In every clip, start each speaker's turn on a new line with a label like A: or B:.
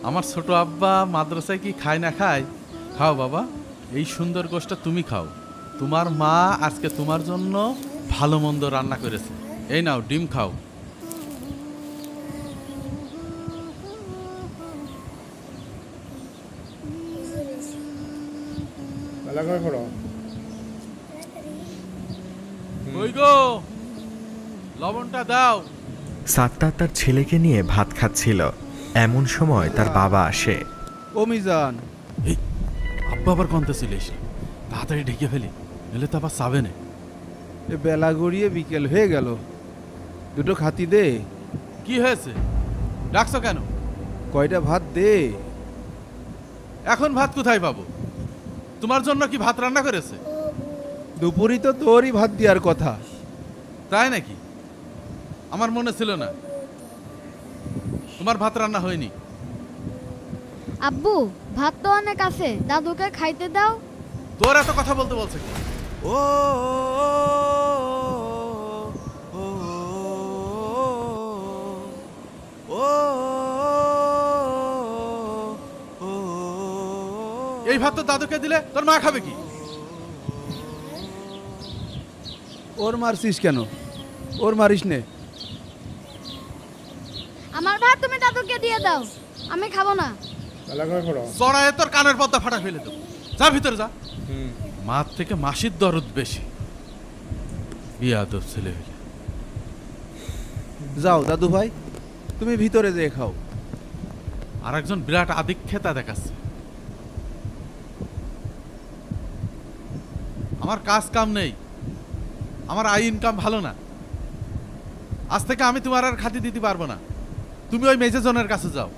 A: আমার ছোট আব্বা মাদ্রাসায় কি খায় না খায়? খাও বাবা, এই সুন্দর গোশটা তুমি খাও। তোমার মা আজকে তোমার জন্য ভালো মন্দ রান্না করেছে। এই নাও, ডিম খাও। ওই গো, লবণটা দাও।
B: সাত্তার তার ছেলেকে নিয়ে ভাত খাচ্ছিল, এমন সময় তার বাবা আসে।
C: ও মিজান,
A: এই আব্বা আবার কনতে ছিল এসে, তাড়াতাড়ি ঢেকে ফেলি, এলে তো আবার চাবে না।
C: এ বেলা গড়িয়ে বিকেল হয়ে গেল, দুটো খাতি দে।
A: কি হয়েছে, ডাকছো কেন?
C: কয়টা ভাত দে।
A: এখন ভাত কোথায় পাবো? তোমার জন্য কি ভাত রান্না করেছে?
C: দুপুরই তো তোরই ভাত দেওয়ার কথা।
A: তাই নাকি? আমার মনে ছিল না তোমার ভাত রান্না হয়নি।
D: আব্বু, ভাত তো অনেক আছে, দাদুকে খাইতে দাও।
A: তোর এত কথা বলতে বলছে কি?
C: ও
A: এই ভাত তো দাদুকে দিলে তোর মা খাবে কি?
C: ওর মারছিস কেন? ওর মারিস নে।
D: আমার ভাত তুমি দাদুকে দিয়ে দাও, আমি খাবো না।
A: চড়ায় তোর কানের পর্দা ফাটা ফেলে দেবো। যা ভিতরে যা। মার থেকে মাসির দরদ বেশি, বিয়াদব ছেলে হইলে।
C: যাও দাদু ভাই, তুমি ভিতরে যেয়ে খাও।
A: আর একজন বিরাট আদিক্ষেতা দেখাচ্ছে। আমার কাজ কাম নেই, আমার আয় ইনকাম ভালো না। আজ থেকে আমি তোমার আর খাতি দিতে পারবো না। তুমি ওই মেজেজনের কাছে যাও।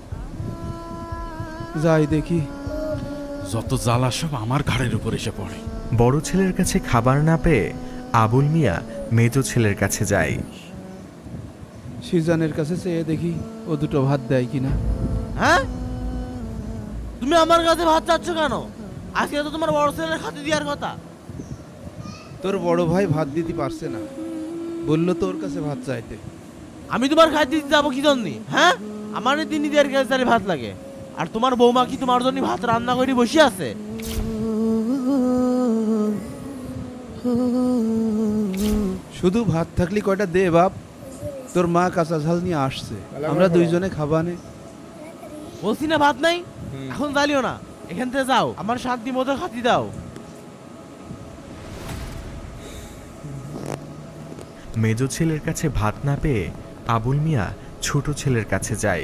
C: যাই দেখি।
A: যত জ্বালা সব আমার ঘাড়ের উপর এসে পড়ে।
B: বড় ছেলের কাছে খাবার না পেয়ে আবুল মিয়া মেজ ছেলের কাছে যায়।
C: সিজানের কাছে চেয়ে দেখি ও দুটো ভাত দেয় কিনা।
E: হ্যাঁ, তুমি আমার কাছে ভাত চাচ্ছ কেন? আজকে তো তোমার বড় ছেলের খাতে দেওয়ার কথা।
C: তোর বড় ভাই ভাত দিতে পারছে না, বললো তোর কাছে ভাত চাইতে।
E: আমি তোমার খাইতে দিতে যাবো কি জন্য? হ্যাঁ, আমার দিন দেওয়ার কাছে ভাত লাগে, আর তোমার বৌমা কি তোমার জন্য ভাত রান্না করে বসে আছে?
C: শুধু ভাত থাকলে কয়টা দে বাপ। তোর মা কাঁচা ঝাল নিয়ে আসছে, আমরা দুইজনে খাবানে।
E: বলছি না ভাত নাই, এখন জ্বালিও না, এখান থেকে যাও, আমার শান্তি মতো খাতি দাও।
B: মেজ ছেলের কাছে ভাত না পেয়ে আবুল মিয়া ছোট ছেলের কাছে যায়।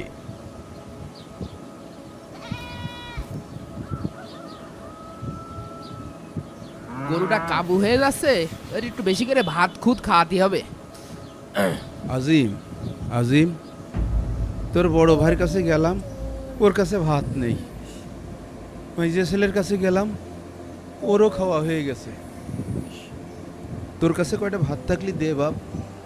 F: গরুটা কাবু হয়ে যাচ্ছে, এর একটু বেশি করে ভাত খুদ খাওয়াতে হবে।
C: আজিম, আজিম, তোর বড় ভাইয়ের কাছে গেলাম, ওর কাছে ভাত নেই। মেজে ছেলের কাছে গেলাম, ওরও খাওয়া হয়ে গেছে। তোর কাছে কয়টা ভাত থাকলি দে বাপ।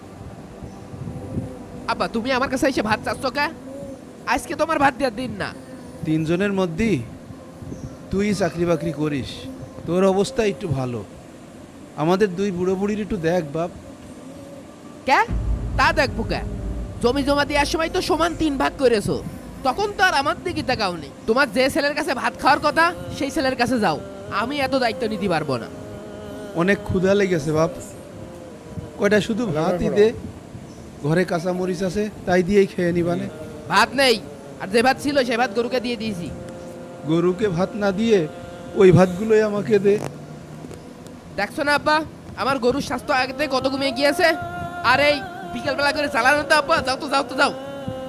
F: আব্বা, তুমি আমার কাছে এসে ভাত চাচ্ছ কা? আজকে তোমার ভাত দেওয়ার দিন না।
C: তিনজনের মধ্যে তুই চাকরি বাকরি করিস, তোর অবস্থা একটু ভালো। আমাদের দুই বুড়ো বুড়ির একটু দেখ বাপ।
F: কে? তা দেখবো কে? জমি জমা দেওয়ার সময় তো সমান 3 ভাগ করেছো, তখন তো আর আমার দিকে তাকাওনি। তোমার যে ছেলের কাছে ভাত খাওয়ার কথা সেই ছেলের কাছে যাও, আমি এত দায়িত্ব নিতে পারবো না।
C: অনেক ক্ষুধা লেগেছে বাপ, কয়টা শুধু ভাতই দে। ঘরে কাঁচা মরিচ আছে, তাই দিয়েই খেয়ে নিবানে।
F: ভাত নেই, আর যে ভাত ছিল সে ভাত গরুকে দিয়ে দিয়েছি।
C: গরুকে ভাত না দিয়ে ওই ভাতগুলোই আমাকে দে।
F: দেখছো না আব্বা, আমার গরুর স্বাস্থ্য আগে থেকে কত কমে গিয়েছে। আর এই বিকেলবেলা করে চালানো তো আব্বা, যাও তো যাও তো যাও।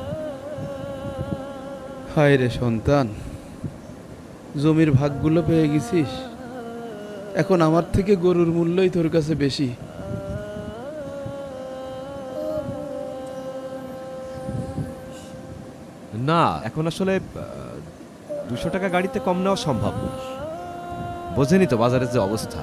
C: হায় রে সন্তান, জমির ভাগগুলো পেয়ে গেছিস, এখন আমার থেকে গরুর মূল্যই তোর কাছে বেশি।
G: না, এখন আসলে 200 টাকা গাড়িতে কম নেওয়া সম্ভব না। বোঝেনি তো বাজারের যে অবস্থা।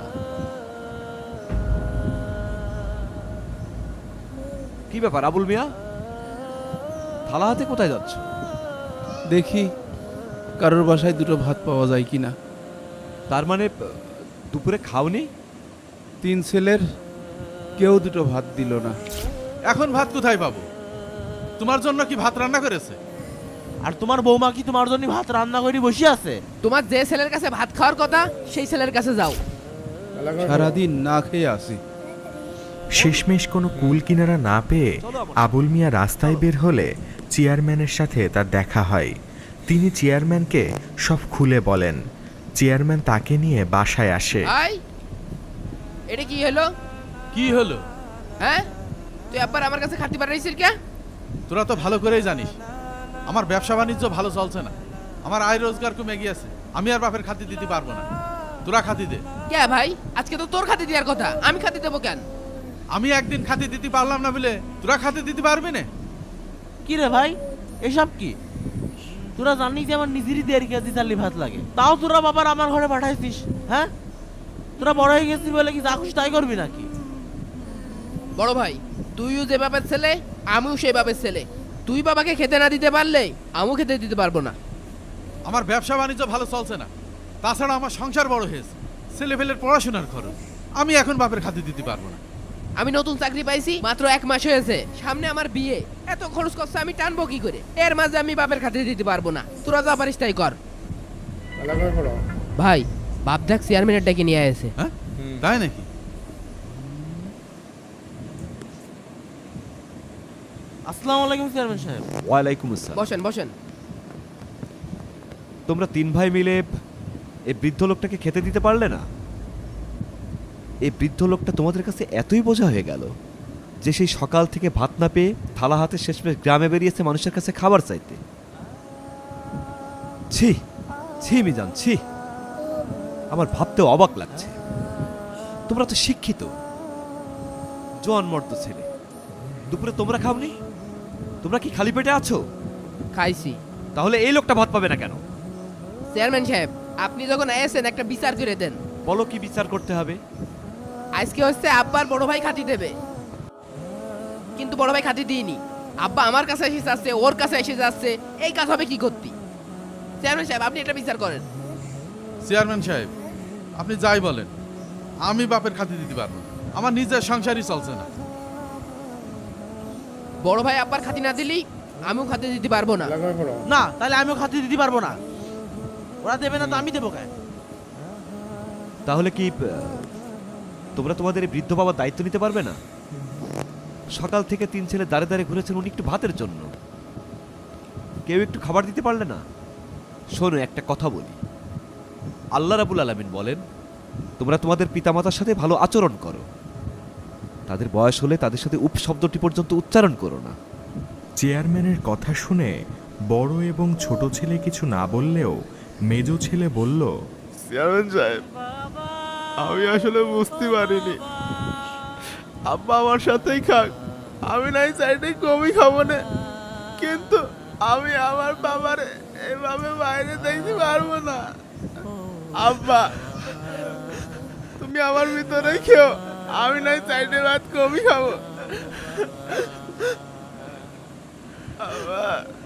G: কি ব্যাপার আবুল মিয়া, থালা হাতে কোথায় যাচ্ছ?
C: দেখি কারোর বাসায় দুটো ভাত পাওয়া যায় কিনা।
G: তার মানে দুপুরে খাওনি?
C: 3 ছেলের কেউ দুটো ভাত দিল না।
A: এখন ভাত কোথায় পাবো? তোমার জন্য কি ভাত রান্না করেছে?
E: আর তোমার বৌমা কি তোমার জন্য ভাত রান্না করে বসে আছে?
F: তোমার যে ছেলের কাছে ভাত খাওয়ার কথা সেই ছেলের কাছে যাও।
C: সারাদিন না খেয়ে আসি।
B: শেষমেশ কোনো কুল কিনারা না পেয়ে আবুল মিয়া রাস্তায় বের হলে চেয়ারম্যানের সাথে তার দেখা হয়। তিনি চেয়ারম্যানকে সব খুলে বলেন। চেয়ারম্যান তাকে নিয়ে বাসায় আসে।
F: ভাই এটা কি হলো?
A: কি হলো?
F: হ্যাঁ, তুই আবার আমার কাছে খাতি পাঠাইছিস কে?
A: তোরা তো ভালো করেই জানিস আমার ব্যবসা বাণিজ্য ভালো চলছে না, আমার আয় রোজগার কমে গিয়েছে, আমি আর বাপের খাতি দিতে পারবো না, তোরা খাতি দে।
F: কে ভাই, আজকে তো তোর খাতি দেওয়ার কথা, আমি খাতি দেবো কেন?
A: আমি একদিন খাতি দিতে পারলাম না বলে তোরা খাতি দিতে পারবি না?
E: কি রে ভাই, এসব কি? তোরা জানিস যে আমার নিজেরই 1.5 কেজি চালি ভাত লাগে, তাও তোরা বাবার আমার ঘরে পাঠাইছিস। হ্যাঁ, তোরা বড় হয়ে গেছিস বলে কি যা খুশি তাই করবি নাকি?
F: বড় ভাই, তুইও যে বাপের ছেলে আমিও সেই বাপের ছেলে। তুই বাবাকে খেতে না দিতে পারলে আমিও খেতে দিতে পারবো না।
A: আমার ব্যবসা বাণিজ্য ভালো চলছে না, তাছাড়া আমার সংসার বড় হয়েছে, ছেলেপেলের পড়াশোনার খরচ, আমি এখন বাপের খাতি দিতে পারবো না।
F: আমি নতুন চাকরি পাইছি, মাত্র 1 মাস হয়েছে, সামনে আমার বিয়ে, এত খরচ করছে আমি টানবো কি করে? এর মাঝে আমি বাপের খাতে দিতে পারবো না। তোরা যা পারিস তাই কর। ভাই, বাপ দেখ চেয়ারম্যানের ডেকে নিয়ে আসে।
A: হ্যাঁ, তাই নাকি?
E: আসসালামু আলাইকুম চেয়ারম্যান সাহেব।
G: ওয়ালাইকুম আসসালাম।
F: বসেন বসেন।
G: তোমরা 3 ভাই মিলে এই বৃদ্ধ লোকটাকে খেতে দিতে পারলে না? এই বৃদ্ধ লোকটা তোমাদের কাছে এতই বোঝা হয়ে গেল যে সেই সকাল থেকে ভাত না পেয়ে থালা হাতে শেষমেশ গ্রামে বেরিয়েছে মানুষের কাছে খাবার চাইতে। ছি ছি মিজান, ছি, আমার ভাবতেও অবাক লাগছে। তোমরা তো শিক্ষিত, জোয়ান মর্দ ছেলে, দুপুরে তোমরা খাওনি? তোমরা কি খালি পেটে আছো?
F: খাইছি।
G: তাহলে এই লোকটা ভাত পাবে না কেন?
F: চেয়ারম্যান সাহেব, আপনি যখন এসেছেন একটা বিচার করে দেন।
G: বলো কি বিচার করতে হবে?
F: আজকে হচ্ছে আব্বার বড় ভাই খাতি দেবে, কিন্তু বড় ভাই খাতি দিইনি। আব্বা আমার কাছে এসে যাচ্ছে, ওর কাছে এসে যাচ্ছে, এই কাজ হবে কি করতি? চেয়ারম্যান সাহেব, আপনি এটা বিচার করেন।
A: চেয়ারম্যান সাহেব, আপনি যাই বলেন, আমি বাপের খাতি দিতে পারবো না, আমার নিজের সংসারই চলছে না।
F: বড় ভাই আব্বার খাতি না দিলেই আমিও খাতি দিতে পারবো না।
E: না, তাহলে আমিও খাতি দিতে পারবো না। ওরা দেবে না তো আমি দেবো কেন?
G: তাহলে কি তোমরা তোমাদের এই বৃদ্ধ বাবার দায়িত্ব নিতে পারবে না? সকাল থেকে 3 ছেলে দাঁড়ে দাঁড়িয়ে ঘুরেছেন উনি একটু ভাতের জন্য, কেউ একটু খাবার দিতে পারলে না? শোনো, একটা কথা বলি, আল্লাহ রাব্বুল আলামিন বলেন তোমরা তোমাদের পিতামাতার সাথে ভালো আচরণ করো, তাদের বয়স হলে তাদের সাথে উপ শব্দটি পর্যন্ত উচ্চারণ করো না।
B: চেয়ারম্যানের কথা শুনে বড় এবং ছোট ছেলে কিছু না বললেও মেজো ছেলে বলল,
H: চেয়ারম্যান সাহেব, আমি আসলে বুঝতে পারিনি, আব্বা আমার সাথেই খাক, আমি নাই চাইতে কমই খাবো না, কিন্তু আমি আমার বাবার এভাবে বাইরে দেখতে পারবো না। আব্বা, তুমি আমার ভিতরে খেও, আমি নাই চাইতে ভাত কমই খাবো। আব্বা।